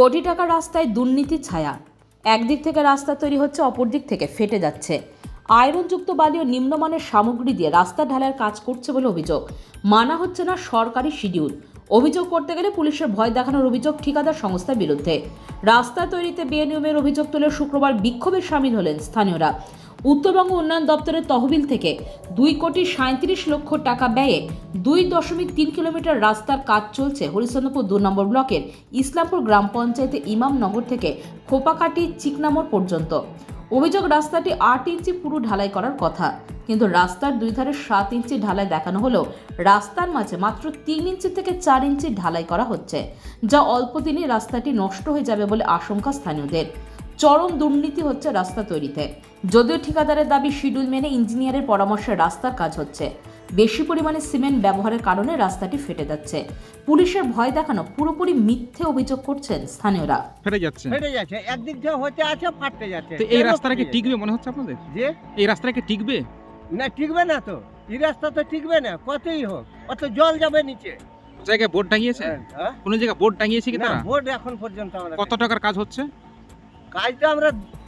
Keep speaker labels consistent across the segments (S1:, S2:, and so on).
S1: কোটি টাকার রাস্তায় দুর্নীতির ছায়া। একদিক থেকে রাস্তা তৈরি হচ্ছে, অপর দিক থেকে ফেটে যাচ্ছে। আয়রনযুক্ত বালি ও নিম্নমানের সামগ্রী দিয়ে রাস্তা ঢালাইয়ের কাজ করছে বলে অভিযোগ। মানা হচ্ছে না সরকারি শিডিউল। অভিযোগ করতে গেলে পুলিশের ভয় দেখানোর অভিযোগ ঠিকাদার সংস্থার বিরুদ্ধে। রাস্তা তৈরিতে বেনিয়মের অভিযোগ তুলে শুক্রবার বিক্ষোভে সামিল হলেন স্থানীয়রা। উত্তরবঙ্গ উন্নয়ন দপ্তরের তহবিল থেকে 2,37,00,000 টাকা ব্যয়ে 2.3 কিলোমিটার রাস্তার কাজ চলছে হরিশ্চন্দ্রপুর 2 নম্বর ব্লকের ইসলামপুর গ্রাম পঞ্চায়েতে ইমামনগর থেকে খোপাকাটি চিকনামোড় পর্যন্ত। অভিযোগ, রাস্তাটি 8 ইঞ্চি পুরো ঢালাই করার কথা, কিন্তু রাস্তার দুই ধারে 7 ইঞ্চি ঢালাই দেখানো হলেও রাস্তার মাঝে মাত্র 3 ইঞ্চি থেকে 4 ইঞ্চি ঢালাই করা হচ্ছে, যা অল্প দিনেই রাস্তাটি নষ্ট হয়ে যাবে বলে আশঙ্কা স্থানীয়দের। চরম দুর্নীতি হচ্ছে রাস্তা তৈরিতে। যদিও ঠিকাদারের দাবি শিডিউল মেনে ইঞ্জিনিয়ারের পরামর্শে রাস্তার কাজ হচ্ছে, বেশি পরিমাণে সিমেন্ট ব্যবহারের কারণে রাস্তাটি ফেটে যাচ্ছে। পুলিশের ভয় দেখানো পুরোপুরি মিথ্যে অভিযোগ করছেন স্থানীয়রা।
S2: ফেটে যাচ্ছে
S3: একদিক দিয়ে হতে আছে, ফাটতে যাচ্ছে।
S2: তো এই রাস্তাটা কি টিকবে মনে হচ্ছে আপনাদের?
S3: যে
S2: এই রাস্তাটা কি টিকবে?
S3: না, টিকবে না তো। এই রাস্তা তো টিকবে না, কতই হোক। অত জল যাবে নিচে।
S2: জায়গায় বোর্ড টাঙিয়েছে?
S3: হ্যাঁ?
S2: কোন জায়গায় বোর্ড টাঙিয়েছে কি
S3: না,
S2: তারা?
S3: বোর্ড এখন পর্যন্ত আমরা
S2: কত টাকার কাজ হচ্ছে?
S3: কাজটা আমরা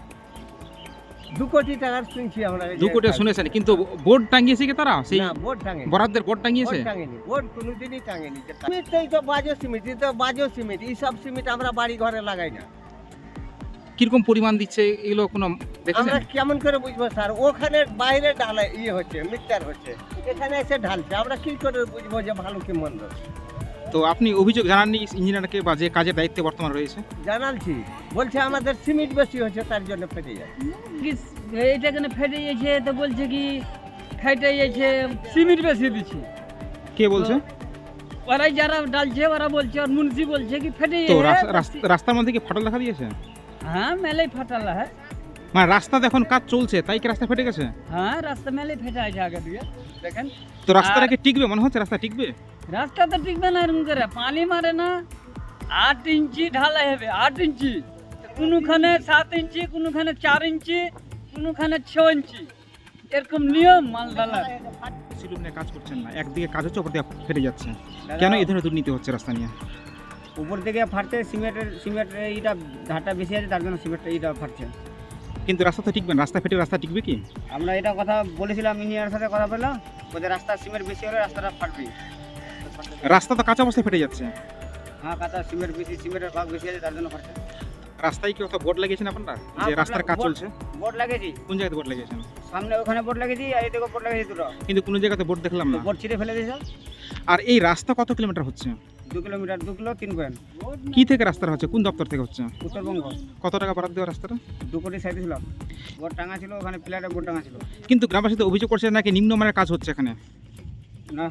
S3: 2 কোটি টাকার শুনছি আমরা।
S2: 2 কোটি শুনেছেন, কিন্তু বোর্ড টাঙিয়েছে কি তারা? সেই
S3: না, বোর্ড টাঙেনি।
S2: বরাদ্দের বোর্ড টাঙিয়েছে?
S3: বোর্ড টাঙেনি, বোর্ড কোনোদিনই টাঙেনি। সিমেন্টই তো বাজে সিমেন্ট, এই তো বাজে সিমেন্ট। এই সব সিমেন্ট আমরা বাড়ি ঘরে লাগাই না।
S2: কিরকম পরিমাণ দিচ্ছে এগুলো কোনো দেখেছেন?
S3: আমরা কেমন করে বুঝবো স্যার? ওখানে বাইরে ঢালাই হচ্ছে, মিক্সচার হচ্ছে, এখানে এসে ঢালছে। আমরা কি করে বুঝবো যে ভালো কি মন্দ?
S2: তো আপনি অভিযোগ জানাননি ইঞ্জিনিয়ারকে বা যে কাজের দায়িত্বে বর্তমান রয়েছে?
S3: জানালছি, বলছে আমাদের সিমেন্ট বেশি হচ্ছে, তার জন্য ফেটে যায়।
S4: এইটা কেন ফেটে গেছে? তো বলছে কি ফেটে গেছে, সিমেন্ট বেশি দিচ্ছে।
S2: কে বলছে?
S4: ওরাই যারা ডালছে ওরা বলছে, আর মুন্সি বলছে কি ফেটে
S2: তো
S4: গেছে।
S2: রাস্তার মধ্যে কি ফাটল দেখা দিয়েছে?
S4: হ্যাঁ, মেলেই ফাটালা। হ্যাঁ
S2: মানে রাস্তাতে এখন কাজ চলছে, তাই কি রাস্তা ফেটে গেছে?
S4: হ্যাঁ, রাস্তা মেলেই ফেটে আছে আগে দিয়ে দেখেন।
S2: তো রাস্তাটা কি টিকবে মনে হচ্ছে? রাস্তা টিকবে?
S4: রাস্তা তো টিকবে না এরকম করে, পানি মারে না। 8 ইঞ্চি ঢালাই হবে, 8 ইঞ্চি, কোনোখানে 7 ইঞ্চি, কোনোখানে 4 ইঞ্চি, কোনোখানে 6 ইঞ্চি, এরকম নিয়ম মাল ঢালা।
S2: শিডিউল নিয়ে কাজ করছেন না, একদিকে কাজ হচ্ছে, অপর দিকে ফেটে যাচ্ছে। কেন এই ধরনের দুর্নীতি হচ্ছে রাস্তা নিয়ে?
S5: উপর থেকে ফাটছে, সিমেন্টের এইটা ধারটা বেশি আছে, তার জন্য সিমেন্টের এইটা ফাটছে।
S2: কিন্তু রাস্তা তো টিকবে না। রাস্তা ফেটে রাস্তা টিকবে কি?
S5: আমরা এটা কথা বলেছিলাম, ইঞ্জিনিয়ারের সাথে কথা বললাম, ওদের রাস্তা সিমেন্ট বেশি হলে রাস্তাটা ফাটবে।
S2: রাস্তা তো কাঁচা অবস্থায় ফেটে যাচ্ছে।
S5: হ্যাঁ, কাঁচা সিমেন্ট বেশি, সিমেন্টের ভাগ বেশি আছে, তার জন্য ফাটছে।
S2: রাস্তায় কি কত বোর্ড লাগিয়েছেন আপনারা যে রাস্তার কাজ চলছে?
S5: বোর্ড লাগিয়েছি,
S2: কোন জায়গাতে বোর্ড লাগিয়েছেন?
S5: সামনে ওখানে বোর্ড লাগিয়েছি, আর এদিকে বোর্ড লাগিয়েছি দুটো।
S2: কিন্তু কোনো জায়গাতে বোর্ড দেখলাম না।
S5: বোর্ড ছিঁড়ে ফেলে দিয়েছে।
S2: আর এই রাস্তা কত কিলোমিটার হচ্ছে?
S5: 2 কিলোমিটার, 2 কিলো 3 পয়েন্ট।
S2: কি থেকে রাস্তা হচ্ছে? কোন দপ্তর থেকে হচ্ছে?
S5: উত্তরবঙ্গ।
S2: কত টাকা বরাদ্দ দেওয়া রাস্তাটা?
S5: 2 কোটি 37 লাখ। বোর্ড টাঙা ছিল ওখানে, প্লেয়ারে বোর্ড টাঙা ছিল।
S2: কিন্তু গ্রামবাসীদের অভিযোগ করছে নাকি নিম্নমানের কাজ হচ্ছে এখানে।
S5: না,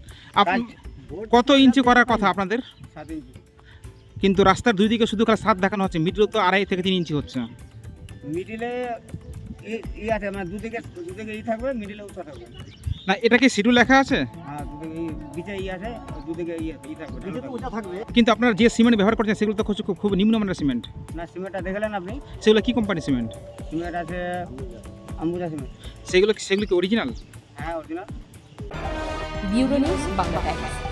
S2: কত ইঞ্চি করার কথা আপনাদের?
S5: 7 ইঞ্চি।
S2: কিন্তু রাস্তার দুই দিকে শুধু খালি 7 দেখানো হচ্ছে, মিডল তো 2.5 থেকে 3 ইঞ্চি হচ্ছে।
S5: মিডিলে ই আছে, মানে দুদিকে ই থাকবে, মিডিলে উঁচা থাকবে।
S2: না, এটা কি শিডিউল লেখা আছে?
S5: হ্যাঁ, দুদিকে বিচে ই আছে, দুদিকে ই থাকবে, ঢালু থাকবে।
S2: কিন্তু আপনারা যে সিমেন্ট ব্যবহার করছেন সেগুলো তো খুব নিম্নমানের সিমেন্ট।
S5: না, সিমেন্টটা দেখলেন আপনি?
S2: সেগুলো কি কোম্পানি সিমেন্ট?
S5: সিমেন্ট আছে আম্বুজা সিমেন্ট।
S2: সেগুলো কি অরিজিনাল?
S5: হ্যাঁ, original.
S1: Bureau news, Bangla Times.